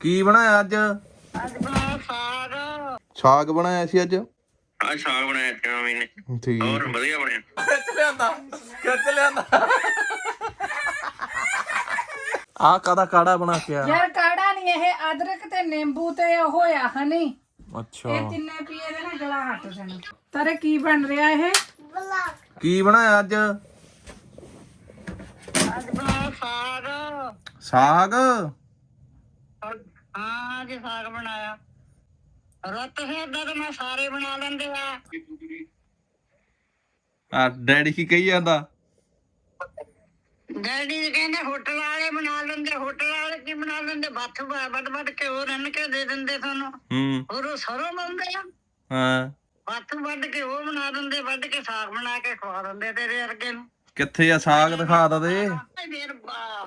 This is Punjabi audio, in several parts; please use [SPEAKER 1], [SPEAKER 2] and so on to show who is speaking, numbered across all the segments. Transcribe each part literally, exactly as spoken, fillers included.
[SPEAKER 1] ਕੀ ਬਣਾਇਆ ਅੱਜ?
[SPEAKER 2] ਅੱਜ ਬਣਾਇਆ ਸਾਗ।
[SPEAKER 1] ਸਾਗ ਬਣਾਇਆ ਸੀ ਅੱਜ।
[SPEAKER 2] ਅੱਜ ਸਾਗ ਬਣਾਇਆ ਸੀ ਮੰਮੀ ਨੇ।
[SPEAKER 1] ਠੀਕ।
[SPEAKER 2] ਹੋਰ ਵਧੀਆ ਬਣਿਆ।
[SPEAKER 1] ਖਿੱਚ ਲਿਆਂਦਾ ਖਿੱਚ ਲਿਆਂਦਾ। ਆ ਕਾਦਾ ਕਾੜਾ ਬਣਾ ਕੇ ਆ?
[SPEAKER 3] ਯਾਰ ਕਾੜਾ ਨਹੀਂ, ਇਹ ਅਦਰਕ ਤੇ ਨਿੰਬੂ ਤੇ ਉਹ ਹੋਇਆ ਹਨੀ।
[SPEAKER 1] ਅੱਛਾ
[SPEAKER 3] ਇਹ ਤਿੰਨੇ ਪੀਏ ਦੇ ਨਾ ਗਲਾ ਹੱਟ ਜਾਣਾ। ਤੇਰੇ ਕੀ ਬਣ ਰਿਹਾ ਇਹ?
[SPEAKER 1] ਕੀ ਬਣਾਇਆ ਅੱਜ?
[SPEAKER 2] ਅੱਜ ਬਣਾਇਆ ਸਾਗ।
[SPEAKER 1] ਸਾਗ?
[SPEAKER 2] ਹਾਂ ਅੱਜ ਸਾਗ ਬਣਾਇਆ। ਰੁੱਤ ਫਿਰਦਾ ਤਾਂ ਮੈਂ ਸਾਰੇ ਬਣਾ ਲੈਂਦੇ ਆ।
[SPEAKER 1] ਆ ਡੈਡੀ ਕੀ ਕਹੀ ਜਾਂਦਾ?
[SPEAKER 2] ਡੈਡੀ ਕਹਿੰਦੇ ਹੋਟਲ ਵਾਲੇ ਬਣਾ ਲੈਂਦੇ। ਹੋਟਲ ਵਾਲੇ ਕੀ ਬਣਾ ਲੈਂਦੇ? ਬੱਥ ਵੱਡ ਵੱਡ ਕੇ ਉਹ ਰੰਨ ਕੇ ਦੇ ਦਿੰਦੇ ਤੁਹਾਨੂੰ।
[SPEAKER 1] ਹੂੰ।
[SPEAKER 2] ਹੋਰ ਉਹ ਸਰੋਂ ਲਾਉਂਦੇ ਆ।
[SPEAKER 1] ਹਾਂ।
[SPEAKER 2] ਬੱਥ ਵੱਡ ਕੇ ਉਹ ਬਣਾ ਦਿੰਦੇ, ਵੱਡ ਕੇ ਸਾਗ ਬਣਾ ਕੇ ਖਵਾ ਦਿੰਦੇ ਤੇਰੇ ਵਰਗੇ ਨੂੰ।
[SPEAKER 1] ਕਿੱਥੇ ਆ ਸਾਗ? ਦਿਖਾ ਤਾ ਦੇ।
[SPEAKER 2] ਮੇਰ ਬਾ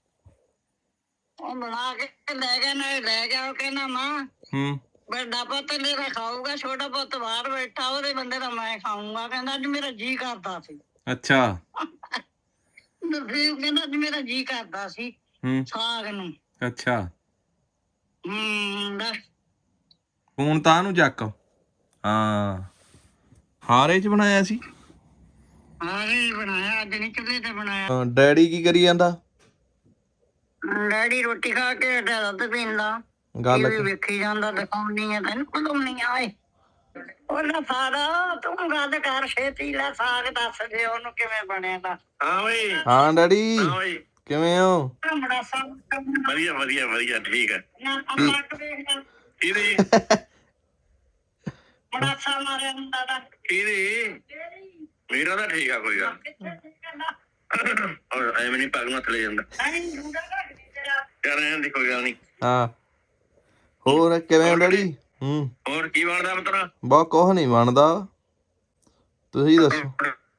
[SPEAKER 2] ਉਹ ਬਣਾ ਕੇ ਲੈ ਗਿਆ ਨਾ, ਲੈ ਗਿਆ। ਉਹ ਕਹਿੰਦਾ ਮਾਂ
[SPEAKER 1] ਹੂੰ।
[SPEAKER 2] ਵੱਡਾ ਪੁੱਤ ਮੇਰਾ ਖਾਊਗਾ, ਛੋਟਾ ਪੁੱਤ ਬਾਹਰ ਬੈਠਾ ਉਹਦੇ ਬੰਦੇ ਦਾ ਮੈਂ ਖਾਊਂਗਾ। ਕਹਿੰਦਾ ਅੱਜ ਮੇਰਾ ਜੀ ਕਰਦਾ ਸੀ।
[SPEAKER 1] ਅੱਛਾ।
[SPEAKER 2] ਨਰਸੀਮ ਕਹਿੰਦਾ ਅੱਜ ਮੇਰਾ ਜੀ ਕਰਦਾ ਸੀ
[SPEAKER 1] ਹੂੰ।
[SPEAKER 2] ਸਾਗ ਨੂੰ।
[SPEAKER 1] ਅੱਛਾ।
[SPEAKER 2] ਹੂੰ ਦੱਸ।
[SPEAKER 1] ਫੋਨ ਤਾਂ ਨੂੰ ਚੱਕ। ਹਾਂ ਹਾਰੇ ਚ ਬਣਾਇਆ ਸੀ।
[SPEAKER 2] ਹਾਰੇ ਬਣਾਇਆ ਅੱਜ, ਨਹੀਂ ਚੁੱਲ੍ਹੇ ਤੇ ਬਣਾਇਆ।
[SPEAKER 1] ਹਾਂ, ਡੈਡੀ ਕੀ ਕਰੀ ਜਾਂਦਾ?
[SPEAKER 2] ਡੈਡੀ ਰੋਟੀ ਖਾ ਕੇ ਦੁੱਧ ਪੀਂਦਾ।
[SPEAKER 1] ਗੱਲ
[SPEAKER 2] ਟੀਵੀ ਵੇਖੀ ਜਾਂਦਾ। ਦਿਖਾਉਣੀ ਆ ਤੈਨੂੰ ਖੁਲਾਉਣੀ ਆਏ। ਉਹਦਾ ਸਾਰਾ ਤੂੰ ਗੱਲ ਕਰ ਛੇਤੀ। ਲੈ ਸਾਗ ਦੱਸ ਦੇ ਉਹਨੂੰ ਕਿਵੇਂ ਬਣਿਆ ਦਾ। ਹਾਂ ਬਈ।
[SPEAKER 1] ਹਾਂ ਡੈਡੀ
[SPEAKER 2] ਹਾਂ ਬਈ
[SPEAKER 1] ਕਿਵੇਂ ਹੋ?
[SPEAKER 2] ਬੜਾ ਸਾਗ ਵਧੀਆ ਵਧੀਆ ਵਧੀਆ ਠੀਕ ਹੈ। ਕਿਹਦੀ ਬੜਾ ਸਾ ਮਾਰਿਆ ਹੁੰਦਾ ਦਾ। ਕਿਹਦੀ? ਮੇਰਾ ਤਾਂ ਠੀਕ ਆ ਕੋਈ ਗੱਲ। ਔਰ ਐਵੇਂ ਨਹੀਂ ਪੱਗ ਮੱਥ ਲੈ ਜਾਂਦਾ। ਕਰ ਰਹੇ ਦੀ ਕੋਈ ਗੱਲ ਨਹੀਂ।
[SPEAKER 1] ਹਾਂ ਹੋਰ ਕਿਵੇਂ ਡੈਡੀ? ਹੂੰ।
[SPEAKER 2] ਹੋਰ ਕੀ ਬਣਦਾ ਪੁੱਤਰਾ?
[SPEAKER 1] ਬਾ ਕੁਛ ਨਹੀਂ ਬਣਦਾ, ਤੁਸੀਂ ਦੱਸੋ।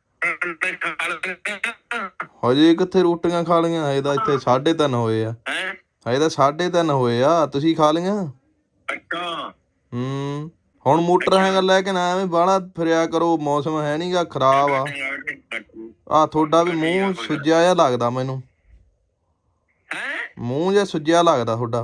[SPEAKER 1] ਹਜੇ ਕਿੱਥੇ ਰੋਟੀਆਂ ਖਾ ਲਈਆਂ? ਹਜੇ ਤਾਂ ਇੱਥੇ ਸਾਢੇ ਤਿੰਨ ਹੋਏ ਆ। ਹਜੇ ਤਾਂ ਸਾਢੇ ਤਿੰਨ ਹੋਏ ਆ। ਤੁਸੀਂ ਖਾ ਲਈਆਂ?
[SPEAKER 2] ਅੱਛਾ।
[SPEAKER 1] ਹੂੰ। ਹੁਣ ਮੋਟਰ ਹੈਗਾ ਲੈ ਕੇ ਨਾ ਐਵੇਂ ਬਾਹਲਾ ਫਿਰਿਆ ਕਰੋ, ਮੌਸਮ ਹੈ ਨੀ ਗਾ, ਖਰਾਬ ਆ। ਆ ਤੁਹਾਡਾ ਵੀ ਮੂੰਹ ਸੁੱਜਿਆ ਜਿਹਾ ਲੱਗਦਾ ਮੈਨੂੰ। ਮੂੰਹ ਜਿਹਾ ਸੁੱਜਿਆ ਲੱਗਦਾ ਤੁਹਾਡਾ।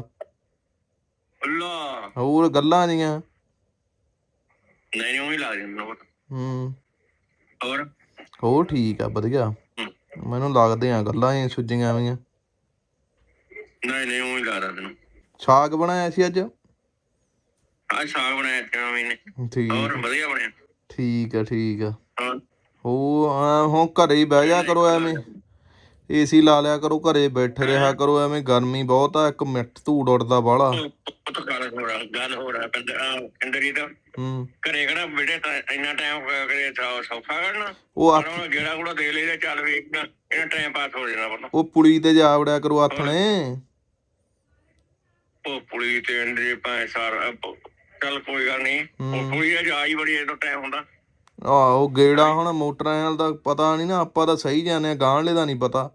[SPEAKER 1] ਹੋਰ ਗੱਲਾਂ ਜੀਆਂ।
[SPEAKER 2] ਨਹੀਂ ਉਹੀ ਲੱਗ ਜਾਂਦਾ।
[SPEAKER 1] ਹੂੰ।
[SPEAKER 2] ਹੋਰ
[SPEAKER 1] ਹੋਰ ਠੀਕ ਆ ਵਧੀਆ। ਮੈਨੂੰ ਲੱਗਦੇ ਆ ਗੱਲਾਂ ਹੀ ਸੁੱਜੀਆਂ ਵੀਆਂ।
[SPEAKER 2] ਨਹੀਂ ਨਹੀਂ ਉਹੀ ਲੱਗਦਾ ਤੈਨੂੰ।
[SPEAKER 1] ਸਾਗ ਬਣਾਇਆ ਸੀ ਅੱਜ।
[SPEAKER 2] ਅੱਜ ਸਾਗ ਬਣਾਇਆ ਸੀ ਮੰਮੀ ਨੇ।
[SPEAKER 1] ਠੀਕ।
[SPEAKER 2] ਹੋਰ ਵਧੀਆ ਬਣਿਆ।
[SPEAKER 1] ਠੀਕ ਆ ਠੀਕ ਆ। ਹੋ ਹੁਣ ਘਰੇ ਹੀ ਬਹਿ ਜਾ ਕਰੋ, ਐਵੇਂ ਏਸੀ ਲਾ ਲਿਆ ਕਰੋ, ਘਰੇ ਬੈਠੇ ਰਿਹਾ ਕਰੋ। ਐਵੇਂ ਗਰਮੀ ਬਹੁਤ ਆ, ਇੱਕ ਮਿੰਟ ਧੂੜ ਉੱਡਦਾ ਬਾਹਲਾ।
[SPEAKER 2] ਗੱਲ ਹੋ ਰਿਹਾ ਪਿੰਡਰੀ ਦਾ।
[SPEAKER 1] ਹੂੰ।
[SPEAKER 2] ਘਰੇ ਕਿਹੜਾ ਬੇਟੇ ਇੰਨਾ ਟਾਈਮ ਕਰੇ ਸੌਖਾ ਕਰਨਾ।
[SPEAKER 1] ਉਹ
[SPEAKER 2] ਗੇੜਾ ਗੂੜਾ ਦੇ ਲਈ ਚੱਲ ਵੀ ਇਹਨਾਂ ਟਾਈਮ ਪਾਸ ਹੋ ਜਾਣਾ।
[SPEAKER 1] ਉਹ ਪੁਲੀ ਤੇ ਜਾ ਵੜਿਆ ਕਰੋ ਆਥਣੇ।
[SPEAKER 2] ਉਹ ਪੁਲੀ ਤੇ ਅੰਦਰੇ ਭਾਵੇਂ ਸਾਰਾ ਚੱਲ ਕੋਈ ਗੱਲ ਨੀ। ਉਹ ਪੁਲੀ ਅੱਜ ਆਈ ਬੜੀ ਜਦੋਂ ਟਾਈਮ ਹੁੰਦਾ।
[SPEAKER 1] ਆਹੋ ਗੇੜਾ ਹੁਣ ਮੋਟਰਾਂ ਦਾ ਪਤਾ ਨੀ ਨਾ, ਆਪਾਂ ਤਾਂ ਸਹੀ ਜਾਂਦੇ ਆ, ਗਾਂਹਲੇ ਦਾ ਨੀ ਪਤਾ।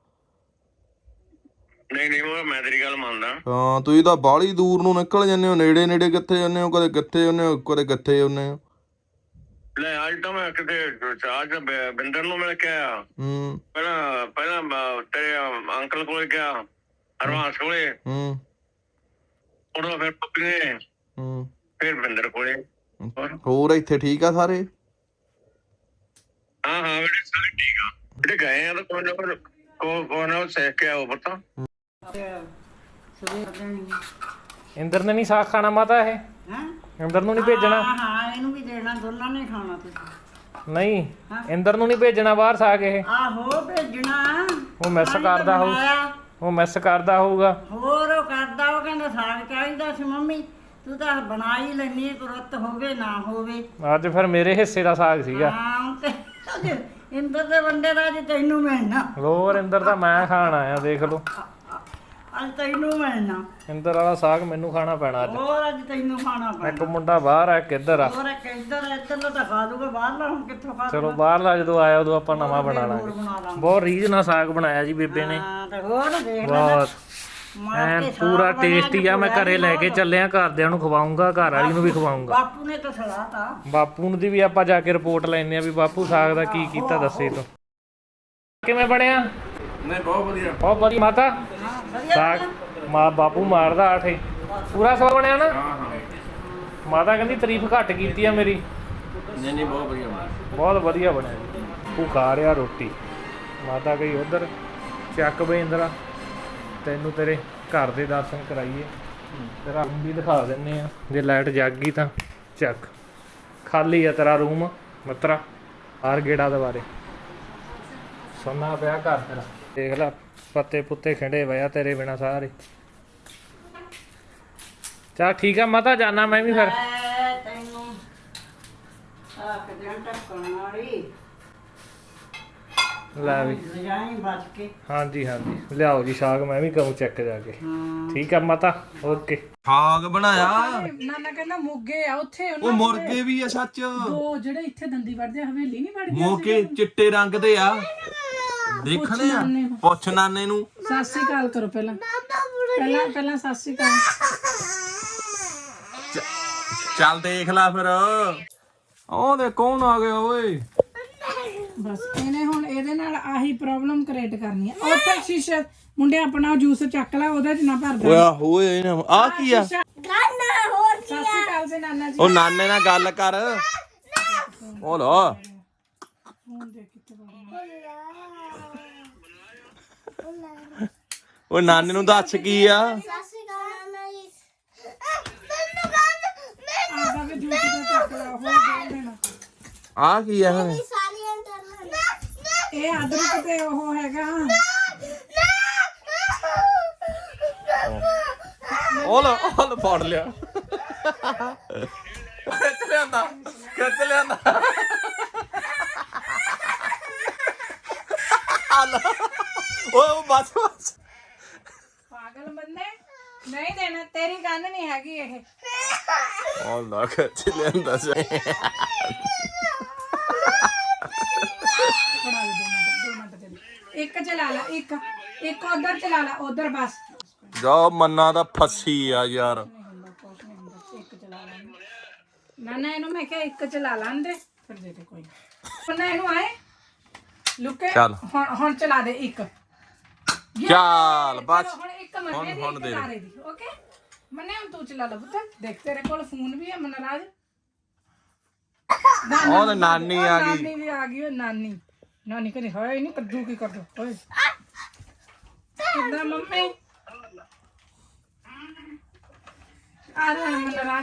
[SPEAKER 2] ਨਹੀਂ ਨਹੀਂ ਉਹ ਮੈਂ ਤੇਰੀ ਗੱਲ ਮੰਨਦਾ।
[SPEAKER 1] ਹਾਂ ਤੁਸੀਂ ਤਾਂ ਬਾਹਲੀ ਦੂਰ ਨੂੰ ਨਿਕਲ ਜਾਂਦੇ ਹੋ, ਨੇੜੇ ਨੇੜੇ ਕਿੱਥੇ ਜਾਂਦੇ ਹੋ? ਕਦੇ ਕਿੱਥੇ ਜਾਂਦੇ ਹੋ, ਕਦੇ ਕਿੱਥੇ ਜਾਂਦੇ ਹੋ। ਲੈ
[SPEAKER 2] ਅੱਜ ਤਾਂ ਮੈਂ ਕਿਤੇ ਅੱਜ ਬਿੰਦਰ ਨੂੰ ਮਿਲ ਕੇ ਆਇਆ।
[SPEAKER 1] ਹੂੰ।
[SPEAKER 2] ਪਹਿਲਾਂ ਪਹਿਲਾਂ ਤੇਰੇ ਅੰਕਲ ਕੋਲੇ ਗਿਆ, ਹਰਵਾਸ ਕੋਲੇ।
[SPEAKER 1] ਹੂੰ।
[SPEAKER 2] ਉਦੋਂ ਫਿਰ ਪੱਪੀ ਨੇ।
[SPEAKER 1] ਹੂੰ।
[SPEAKER 2] ਫਿਰ ਬਿੰਦਰ ਕੋਲੇ।
[SPEAKER 1] ਹੋਰ ਇੱਥੇ ਠੀਕ ਆ ਸਾਰੇ?
[SPEAKER 2] ਹਾਂ ਹਾਂ ਬੇਟੇ ਸਾਰੇ ਠੀਕ ਆ। ਜਿਹੜੇ ਗਏ ਆ ਤਾਂ ਕੋਈ ਨਾ ਕੋਈ ਕੋਈ ਨਾ ਸਿੱਖ ਕੇ ਆਓ ਪਤਾ।
[SPEAKER 4] ਇੰਦਰ ਨੇ ਨਹੀਂ ਸਾਗ ਖਾਣਾ ਮਾਤਾ? ਇਹ ਇੰਦਰ ਨੂੰ ਨਹੀਂ ਭੇਜਣਾ?
[SPEAKER 5] ਹਾਂ ਇਹਨੂੰ ਵੀ ਦੇਣਾ, ਦੋਨਾਂ ਨੇ ਖਾਣਾ ਤੁਸੀਂ।
[SPEAKER 4] ਨਹੀਂ ਇੰਦਰ ਨੂੰ ਨਹੀਂ ਭੇਜਣਾ ਬਾਹਰ ਸਾਗ? ਇਹ
[SPEAKER 5] ਆਹੋ ਭੇਜਣਾ।
[SPEAKER 4] ਉਹ ਮਿਸ ਕਰਦਾ ਹੋਊ, ਉਹ ਮਿਸ ਕਰਦਾ ਹੋਊਗਾ।
[SPEAKER 5] ਹੋਰ ਉਹ ਕਰਦਾ, ਉਹ ਕਹਿੰਦਾ ਸਾਗ ਚਾਹੀਦਾ ਸੀ ਮੰਮੀ। ਤੂੰ ਤਾਂ ਬਣਾ ਹੀ ਲੈਣੀ, ਤੁਰਤ ਹੋਵੇ ਨਾ ਹੋਵੇ।
[SPEAKER 4] ਅੱਜ ਫਿਰ ਮੇਰੇ ਹਿੱਸੇ ਦਾ ਸਾਗ ਸੀਗਾ।
[SPEAKER 5] ਹਾਂ ਤੇ ਇੰਦਰ ਦੇ ਬੰਦੇ ਦਾ ਅੱਜ ਤੈਨੂੰ ਮਿਲਣਾ।
[SPEAKER 4] ਹੋਰ ਇੰਦਰ ਦਾ ਮੈਂ ਖਾਣ ਆਇਆ, ਦੇਖ ਲਓ।
[SPEAKER 5] ਅੱਜ ਤੈਨੂੰ ਮਿਲਣਾ।
[SPEAKER 4] ਇੰਦਰ ਵਾਲਾ ਸਾਗ ਮੈਨੂੰ ਖਾਣਾ ਪੈਣਾ ਅੱਜ।
[SPEAKER 5] ਹੋਰ ਅੱਜ ਤੈਨੂੰ ਖਾਣਾ ਪੈਣਾ।
[SPEAKER 4] ਇੱਕ ਮੁੰਡਾ ਬਾਹਰ ਆ, ਇੱਕ ਇੱਧਰ ਆ।
[SPEAKER 5] ਹੋਰ ਇੱਕ ਇੱਧਰ ਇੱਧਰ ਤਾਂ ਖਾ ਲੂਗਾ, ਬਾਹਰਲਾ ਹੁਣ ਕਿੱਥੋਂ ਖਾ ਲੂਗਾ?
[SPEAKER 4] ਚਲੋ ਬਾਹਰਲਾ ਜਦੋਂ ਆਇਆ ਉਦੋਂ ਆਪਾਂ ਨਵਾਂ ਬਣਾ ਲਾਂਗੇ। ਬਹੁਤ ਰੀਝ ਨਾਲ ਸਾਗ ਬਣਾਇਆ ਜੀ ਬੇਬੇ ਨੇ।
[SPEAKER 5] ਹਾਂ ਤੇ ਹੋਰ ਦੇਖ ਲੈ
[SPEAKER 4] ਬਹੁਤ ਐਨ ਪੂਰਾ ਟੇਸਟੀ ਆ। ਮੈਂ ਘਰੇ ਲੈ ਕੇ ਚੱਲਿਆ, ਘਰਦਿਆਂ ਨੂੰ ਖਵਾਉਂਗਾ, ਘਰ ਵਾਲੀ ਨੂੰ ਵੀ ਖਵਾਉਂਗਾ।
[SPEAKER 5] ਬਾਪੂ ਨੇ ਤਾਂ ਸਲਾਤਾ।
[SPEAKER 4] ਬਾਪੂ ਨੂੰ ਦੀ ਵੀ ਆਪਾਂ ਜਾ ਕੇ ਰਿਪੋਰਟ ਲੈਣੇ ਆ ਵੀ ਬਾਪੂ ਸਾਗ ਦਾ ਕੀ ਕੀਤਾ, ਦੱਸੇ ਤੂੰ ਕਿਵੇਂ ਬਣਿਆ?
[SPEAKER 1] ਨਹੀਂ ਬਹੁਤ ਵਧੀਆ,
[SPEAKER 4] ਬਹੁਤ ਵਧੀਆ ਮਾਤਾ। ਸਾਗ ਮਾ ਬਾਪੂ ਮਾਰਦਾ ਆਠੇ। ਪੂਰਾ ਸਵਾਦ ਬਣਿਆ ਨਾ? ਮਾਤਾ ਕਹਿੰਦੀ ਤਾਰੀਫ ਘੱਟ ਕੀਤੀ ਆ ਮੇਰੀ।
[SPEAKER 1] ਨਹੀਂ ਨਹੀਂ ਬਹੁਤ ਵਧੀਆ ਬਣਿਆ।
[SPEAKER 4] ਬਹੁਤ ਵਧੀਆ ਬਣਿਆ ਜੀ। ਤੂੰ ਖਾ ਰਿਹਾ ਰੋਟੀ, ਮਾਤਾ ਗਈ ਉਧਰ। ਚੱਕ ਬਈ ਇੰਦਰਾ, ਤੈਨੂੰ ਤੇਰੇ ਘਰ ਦੇ ਦਰਸ਼ਨ ਕਰਾਈਏ, ਤੇਰਾ ਰੂਮ ਵੀ ਦਿਖਾ ਦਿੰਨੇ ਆ। ਜੇ ਲਾਈਟ ਜਗ ਗਈ ਤਾਂ ਚੱਕ, ਖਾਲੀ ਆ ਤੇਰਾ ਰੂਮ ਮਿੱਤਰਾ। ਹਰ ਗੇੜਾ ਦੇ ਬਾਰੇ ਸੁਣਨਾ ਪਿਆ ਘਰ ਤੇਰਾ। ਦੇਖ ਲੈ ਪੱਤੇ ਪੁੱਤੇ ਖਿੰਡੇ ਪਏ ਆ ਤੇਰੇ ਬਿਨਾ ਸਾਰੇ। ਚੱਲ ਠੀਕ ਆ ਮਾਤਾ, ਜਾਣਾ ਮੈਂ ਵੀ ਫਿਰ।
[SPEAKER 5] ਐ ਤੈਨੂੰ ਆਖ ਦੇ ਟੱਕਣ ਵਾਲੀ
[SPEAKER 4] ਲੈ ਵੀ
[SPEAKER 5] ਜਾਈ ਬਚ ਕੇ।
[SPEAKER 4] ਹਾਂਜੀ ਹਾਂਜੀ ਲਿਆਓ ਜੀ ਸਾਗ, ਮੈਂ ਵੀ ਕਹੂੰ ਚੈੱਕ ਜਾ ਕੇ। ਠੀਕ ਆ ਮਾਤਾ, ਓਕੇ।
[SPEAKER 1] ਸਾਗ ਬਣਾਇਆ।
[SPEAKER 3] ਨਾਨਾ ਕਹਿੰਦਾ ਮੋਗੇ ਆ ਉੱਥੇ
[SPEAKER 1] ਉਹ ਮੁਰਗੇ ਵੀ ਆ ਸੱਚ।
[SPEAKER 3] ਦੋ ਜਿਹੜੇ ਇੱਥੇ ਦੰਦੀ ਵੜਦੇ ਆ, ਹਵੇਲੀ ਨਹੀਂ ਵੜ ਗਿਆ
[SPEAKER 1] ਮੋਗੇ ਚਿੱਟੇ ਰੰਗ ਦੇ ਆ, ਦੇਖਣੇ ਆ। ਪੁੱਛ ਨਾਨੇ ਨੂੰ।
[SPEAKER 3] ਸਤਿ ਸ਼੍ਰੀ ਅਕਾਲ ਕਰੋ ਪਹਿਲਾਂ ਪਹਿਲਾਂ ਪਹਿਲਾਂ ਸਤਿ ਸ਼੍ਰੀ ਅਕਾਲ।
[SPEAKER 1] ਚੱਲ ਦੇਖ ਲੈ ਫਿਰ। ਉਹ ਦੇ ਕੌਣ ਆ ਗਿਆ ਓਏ?
[SPEAKER 3] ਬਸ ਇਹਨੇ ਹੁਣ ਇਹਦੇ ਨਾਲ ਆਹੀ ਪ੍ਰੋਬਲਮ ਕ੍ਰੀਏਟ ਕਰਨੀ ਆ। ਉੱਥੇ ਸ਼ੀਸ਼ਾ ਮੁੰਡੇ ਆਪਣਾ ਜੂਸ ਚੱਕ ਲੈ, ਉਹਦੇ ਚ ਨਾ ਭਰਦਾ।
[SPEAKER 1] ਓਏ ਹੋਏ ਆ ਕੀ ਆ?
[SPEAKER 3] ਨਾਨਾ ਹੋਰ ਸਤਿ ਸ਼੍ਰੀ ਅਕਾਲ ਜੀ ਨਾਨਾ ਜੀ।
[SPEAKER 1] ਉਹ ਨਾਨੇ ਨਾਲ ਗੱਲ ਕਰ। ਉਹ ਲੋ ਉਹ ਨਾਨੇ ਨੂੰ ਦੱਸ ਕੀ ਆ?
[SPEAKER 3] ਆਦਾ ਵੀ ਜੂਸ ਦਾ ਚੱਕ ਲੈ, ਹੋਰ ਦੇ ਦੇਣਾ।
[SPEAKER 1] ਆ ਕੀ ਆ?
[SPEAKER 3] ਇਹ ਅਦਰਕ ਤੇ ਉਹ ਹੈਗਾ।
[SPEAKER 1] ਉਹ ਲੋ ਉਹ ਲੋ ਫੜ ਲਿਆ। ਖਿੱਚ ਲਿਆਂਦਾ ਖਿੱਚ ਲਿਆਂਦਾ। ਓਏ ਉਹ ਬਸ ਬਸ।
[SPEAKER 3] ਪਾਗਲ ਬੰਦੇ, ਨਹੀਂ ਦੇਣਾ, ਤੇਰੀ ਗੱਲ ਨਹੀਂ ਹੈਗੀ ਇਹ।
[SPEAKER 1] ਉਹ ਨਾ ਖਿੱਚ ਲਿਆਂਦਾ ਸੀ।
[SPEAKER 3] ਫੜਾ ਦੇ, ਦੋ ਮਿੰਟ ਦੋ ਮਿੰਟ ਦੇ ਦੇ। ਇੱਕ ਚਲਾ ਲਾ, ਇੱਕ ਇੱਕ ਉਧਰ ਚਲਾ ਲਾ, ਉਧਰ ਬਸ।
[SPEAKER 1] ਜਾ ਮੰਨਾ ਦਾ ਫੱਸੀ ਆ ਯਾਰ।
[SPEAKER 3] ਇੱਕ ਚਲਾ ਲਾ ਨਾ ਨਾ, ਇਹਨੂੰ ਮੈਂ ਕਿਹਾ ਇੱਕ ਚਲਾ ਲਾਂਦੇ ਫਿਰ ਦੇ ਦੇ ਕੋਈ ਨਾ। ਨਾ ਇਹਨੂੰ ਆਏ ਲੁਕੇ।
[SPEAKER 1] ਚੱਲ।
[SPEAKER 3] ਹੁਣ ਹੁਣ ਚਲਾ ਦੇ ਇੱਕ।
[SPEAKER 1] ਚੱਲ ਬਸ।
[SPEAKER 3] ਚਲੋ ਹੁਣ ਇੱਕ ਮੰਨੇ ਦੀ,
[SPEAKER 1] ਹੁਣ
[SPEAKER 3] ਇੱਕ
[SPEAKER 1] ਦੇ ਦੇ।
[SPEAKER 3] ਤਾਰੇ ਦੀ। ਓਕੇ ਮੰਨੇ, ਹੁਣ ਤੂੰ ਚਲਾ ਲਾ ਪੁੱਤ। ਦੇਖ ਤੇਰੇ ਕੋਲ ਫੋਨ ਵੀ ਹੈ ਮਨਰਾਜ।
[SPEAKER 1] ਉਹ ਤੇ ਨਾਨੀ ਆ ਗਈ।
[SPEAKER 3] ਨਾਨੀ ਵੀ ਆ ਗਈ। ਉਹ ਨਾਨੀ ਨਾਨੀ ਕਹਿੰਦੀ ਹਾਏ ਨਹੀਂ ਕੱਦੂ ਕੀ ਕਰ ਦੋ ਓਏ। ਕਿੱਦਾਂ ਮੰਮੀ? ਆ ਰਿਹਾ ਮਨਰਾਜ।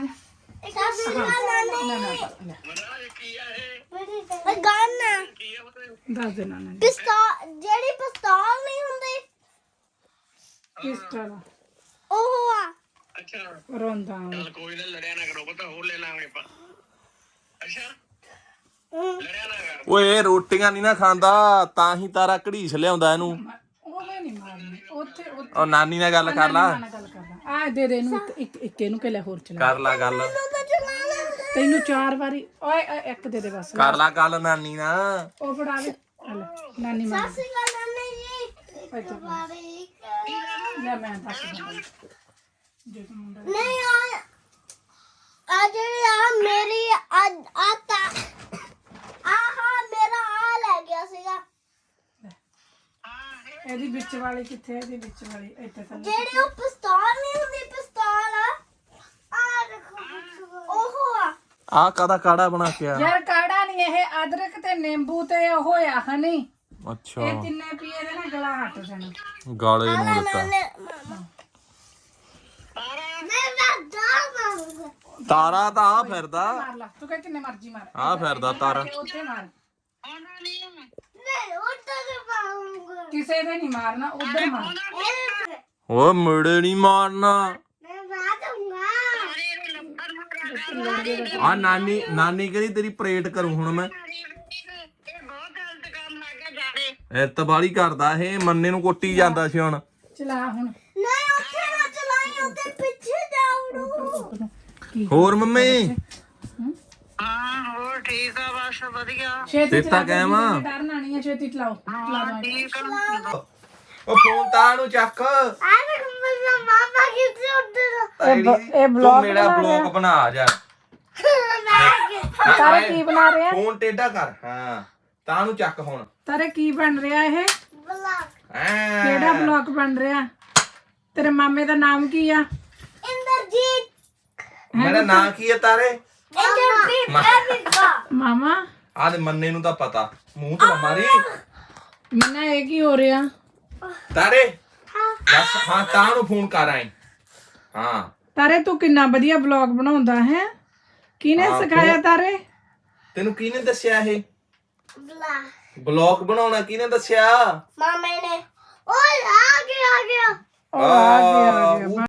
[SPEAKER 3] ਦੱਸ ਦੇ ਨਾਨਾ ਜੀ।
[SPEAKER 6] ਪਿਸਤੌਲ ਜਿਹੜੀ ਪਿਸਤੌਲ ਨਹੀਂ ਹੁੰਦੀ
[SPEAKER 3] ਕਿਸ ਤਰ੍ਹਾਂ
[SPEAKER 6] ਉਹ ਆ।
[SPEAKER 2] ਅੱਛਾ
[SPEAKER 3] ਰੋਂਦਾ
[SPEAKER 2] ਚੱਲ ਕੋਈ ਨਾ, ਲੜਿਆ ਨਾ ਕਰੋ, ਪਤਾ ਹੋਰ ਲੈ ਲਾਂਗੇ ਆਪਾਂ। ਅੱਛਾ ਲੜਿਆ ਨਾ ਕਰ।
[SPEAKER 1] ਓਏ ਇਹ ਰੋਟੀਆਂ ਨਹੀਂ ਨਾ ਖਾਂਦਾ, ਤਾਂ ਹੀ ਤਾਰਾ ਘੜੀਸ ਲਿਆਉਂਦਾ ਇਹਨੂੰ।
[SPEAKER 3] ਉਹ ਮੈਂ ਨਹੀਂ ਮਾਰਨੀ ਉੱਥੇ ਉੱਥੇ।
[SPEAKER 1] ਉਹ ਨਾਨੀ ਨਾਲ ਗੱਲ ਕਰ ਲਾ।
[SPEAKER 3] ਨਾਲ ਗੱਲ ਕਰਦਾ। ਆ ਦੇ ਦੇ ਇਹਨੂੰ ਇੱਕ- ਇੱਕ ਇੱਕ ਇਹਨੂੰ ਕਿ ਲੈ ਹੋਰ ਚਲਾ।
[SPEAKER 1] ਕਰ ਲਾ ਗੱਲ।
[SPEAKER 3] ਤੈਨੂੰ ਚਾਰ ਵਾਰੀ ਓਏ ਓਏ, ਇੱਕ ਦੇ ਦੇ ਬਸ।
[SPEAKER 1] ਕਰ ਲਾ ਗੱਲ ਨਾਨੀ ਨਾਲ।
[SPEAKER 3] ਉਹ ਫੜਾ ਦੇ। ਆ ਲੈ, ਨਾਨੀ ਮਾਰ
[SPEAKER 6] ਸਸੀ ਗੱਲ ਨਾਨੀ ਜੀ।
[SPEAKER 3] ਓਏ ਤੂੰ
[SPEAKER 6] ਬਾਰੀ
[SPEAKER 3] ਲੈ ਮੈਂ ਦੱਸ ਦਿੰਦਾ ਜੇ ਤੂੰ ਮੁੰਡਾ
[SPEAKER 6] ਨਹੀਂ ਆ ਆ ਜਿਹੜੀ ਆ ਮੇਰੀ ਆ ਆ ਤਾ ਆਹਾ ਮੇਰਾ ਆ ਲੈ ਗਿਆ ਸੀਗਾ।
[SPEAKER 3] ਇਹਦੀ ਵਿੱਚ ਵਾਲੀ ਕਿੱਥੇ ਹੈ? ਇਹਦੀ ਵਿੱਚ ਵਾਲੀ ਇੱਥੇ ਥੱਲੇ।
[SPEAKER 6] ਜਿਹੜੀ ਉਹ ਪਿਸਤੌਲ ਨਹੀਂ ਹੁੰਦੀ ਪਿਸਤੌਲ ਆ ਆ ਦੇਖੋ ਉਹ ਆ।
[SPEAKER 1] ਆ ਕਾਦਾ ਕਾੜਾ ਬਣਾ ਕੇ ਆ?
[SPEAKER 3] ਯਾਰ ਕਾੜਾ ਨਹੀਂ, ਇਹ ਅਦਰਕ ਤੇ ਨਿੰਬੂ ਤੇ ਉਹ ਆ ਹਨੀ।
[SPEAKER 1] ਅੱਛਾ
[SPEAKER 3] ਇਹ ਤਿੰਨੇ ਪੀਏ ਦੇ ਨਾ ਗਲਾ ਹੱਟ ਜਾਣਾ।
[SPEAKER 1] ਗਾਲੇ ਨੂੰ ਦਿੱਤਾ।
[SPEAKER 6] ਮੈਂ ਵੱਡਾ ਮਾਰੂੰਗਾ।
[SPEAKER 1] ਤਾਰਾ ਤਾਂ ਆ ਫਿਰਦਾ।
[SPEAKER 3] ਮਾਰ ਲਾ ਤੂੰ ਕਹਿ ਕਿੰਨੇ ਮਰਜੀ ਮਾਰ।
[SPEAKER 1] ਆ ਫਿਰਦਾ ਤਾਰਾ।
[SPEAKER 3] ਉੱਥੇ ਮਾਰ।
[SPEAKER 6] ਨਹੀਂ ਉੱਧਰ ਮਾਰੂੰਗਾ।
[SPEAKER 3] ਕਿਸੇ ਦੇ ਨਹੀਂ ਮਾਰਨਾ, ਉਧਰ ਮਾਰ।
[SPEAKER 1] ਓਏ ਮੁੜੇ ਨਹੀਂ ਮਾਰਨਾ।
[SPEAKER 6] ਮੈਂ ਮਾਰੂੰਗਾ।
[SPEAKER 1] ਆ ਨਾਨੀ ਨਾਨੀ ਕਹਿੰਦੀ ਤੇਰੀ ਪ੍ਰੇਟ ਕਰੂੰ ਹੁਣ ਮੈਂ। ਇਤਬਾਲੀ ਕਰਦਾ ਇਹ, ਮੰਨੇ ਨੂੰ ਕੁੱਟੀ ਜਾਂਦਾ ਸੀ ਹੁਣ।
[SPEAKER 3] ਚਲਾ ਹੁਣ।
[SPEAKER 6] ਨਹੀਂ ਉੱਥੇ ਨਾ ਚਲਾਈ, ਉੱਥੇ ਪਿੱਛੇ ਜਾਉਂ।
[SPEAKER 1] ਹੋਰ ਮੰਮੀ?
[SPEAKER 5] ਹਾਂ ਹੋਰ ਠੀਕ ਆ, ਬਸ ਵਧੀਆ।
[SPEAKER 3] ਛੇਤੀ
[SPEAKER 1] ਦਿੱਤਾ
[SPEAKER 3] ਚਲਾ।
[SPEAKER 1] ਕਹਿਵਾ।
[SPEAKER 3] ਡਰਨਾ ਨਹੀਂ ਹੈ, ਛੇਤੀ ਚਲਾਓ। ਚਲਾ ਦੋ।
[SPEAKER 1] ਉਹ ਫੋਨ ਤਾਂ ਨੂੰ ਚੱਕ।
[SPEAKER 6] ਆ ਦੇਖ ਮੇਰਾ ਮਾਮਾ ਕਿੱਥੇ ਉੱਧਰ।
[SPEAKER 3] ਇਹ
[SPEAKER 1] ਤੂੰ ਮੇਰਾ ਬਲੌਗ ਬਣਾ ਜਾ।
[SPEAKER 3] ਤਾਰੇ ਕੀ ਬਣਾ ਰਿਹਾ?
[SPEAKER 1] ਫੋਨ ਟੇਢਾ ਕਰ। ਹਾਂ ਤਾਂ ਨੂੰ ਚੱਕ ਹੁਣ।
[SPEAKER 3] ਤਾਰੇ ਕੀ ਬਣ ਰਿਹਾ ਇਹ?
[SPEAKER 6] ਬਲਾਕ
[SPEAKER 1] ਐਂ।
[SPEAKER 3] ਕਿਹੜਾ ਬਲੌਗ ਬਣ ਰਿਹਾ? ਤੇਰੇ ਮਾਮੇ ਦਾ ਨਾਮ ਕੀ ਆ?
[SPEAKER 6] ਇੰਦਰ ਅਮਰਜੀਤ
[SPEAKER 1] ਮੇਰਾ ਨਾਂ ਕੀ ਹੈ ਤਾਰੇ?
[SPEAKER 6] ਇੱਧਰ ਵੀ ਐਵੀਗਾ
[SPEAKER 3] ਮਾਮਾ
[SPEAKER 1] ਆਹ ਦੇ ਮੰਨੇ ਨੂੰ ਤਾਂ ਪਤਾ, ਮੂੰਹ ਤੇ ਨਾ ਮਾਰੀ।
[SPEAKER 3] ਮਨਾ ਇਹ ਕੀ ਹੋ ਰਿਹਾ?
[SPEAKER 1] ਤਾਰੇ ਬਸ ਹਾਂ ਤਾਂ ਨੂੰ ਫੋਨ ਕਰ ਆਈ। ਹਾਂ
[SPEAKER 3] ਤਾਰੇ ਤੂੰ ਕਿੰਨਾ ਵਧੀਆ ਬਲੌਗ ਬਣਾਉਂਦਾ ਹੈ। ਕਿਹਨੇ
[SPEAKER 1] ਹਾਂ,
[SPEAKER 3] ਸਿਖਾਇਆ
[SPEAKER 1] ਤੂੰ-
[SPEAKER 3] ਤਾਰੇ?
[SPEAKER 1] ਤੈਨੂੰ ਕਿਹਨੇ ਦੱਸਿਆ ਇਹ
[SPEAKER 6] ਬਲਾ
[SPEAKER 1] ਬਲੌਗ ਬਣਾਉਣਾ? ਕਿਹਨੇ ਦੱਸਿਆ?
[SPEAKER 6] ਮਾਮੇ ਨੇ ਓਏ ਆ ਗਿਆ ਆ ਗਿਆ
[SPEAKER 3] ਉਹ ਆ ਗਿਆ, ਆ
[SPEAKER 1] ਆਹ,
[SPEAKER 3] ਗਿਆ।